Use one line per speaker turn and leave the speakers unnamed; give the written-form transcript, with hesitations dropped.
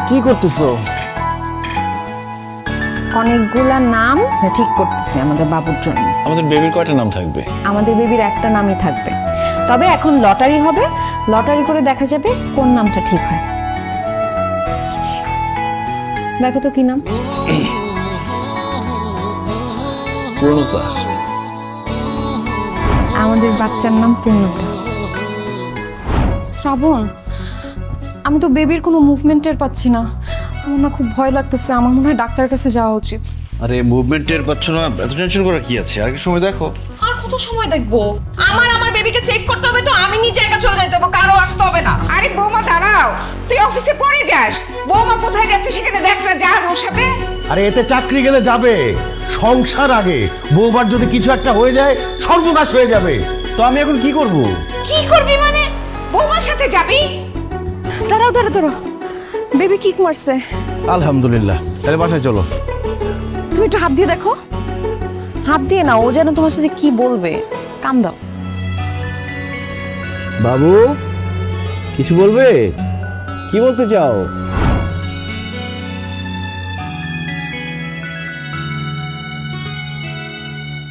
কি করতেছো?
অনেকগুলা নাম ঠিক করতেছি আমাদের বাবুর জন্য।
আমাদের বেবির কয়টা নাম থাকবে?
আমাদের বেবির একটা নামই থাকবে, তবে এখন লটারি হবে, লটারি করে দেখা যাবে কোন নামটা ঠিক হয়। দেখো তো কি নাম?
পূর্ণতা।
আমাদের বাচ্চার নাম পূর্ণতা। শ্রাবণ, আমি তো বেবির কোনো মুভমেন্টের পাচ্ছি না। আমার না খুব ভয় লাগতেছে, আমার মনে হয় ডাক্তারের কাছে যাওয়া উচিত।
আরে মুভমেন্টের পাচ্ছ না, এত টেনশন করার কি আছে? আর কি সময় দেখো।
আর কত সময় দেখবো? আমার বেবিকে সেভ করতে হবে, তো আমি নিজে একা চলে যেতে হবে, কারো আসতে হবে না।
আরে বৌমা দাঁড়াও, তুই অফিসে পরে যাস। বৌমা কোথায় যাচ্ছে সেখানে দেখ না, যাস ওর সাথে।
আরে এতে চাকরি গেলে যাবে, সংসার আগে। বউবার যদি কিছু একটা হয়ে যায় সর্বনাশ হয়ে যাবে।
তো আমি এখন কি করব?
কি করবি মানে? বৌমার সাথে যাবি?
দাঁড়াও দাঁড়াও দাঁড়াও, বেবি কিক মারছে।
আলহামদুলিল্লাহ, তাহলে বাসায় চলো।
তুমি একটু হাত দিয়ে দেখো। হাত দিয়ে না, ও যেন তোমার সাথে কি বলবে। কান দাও।
বাবু কিছু বলবে? কি বলতে চাও?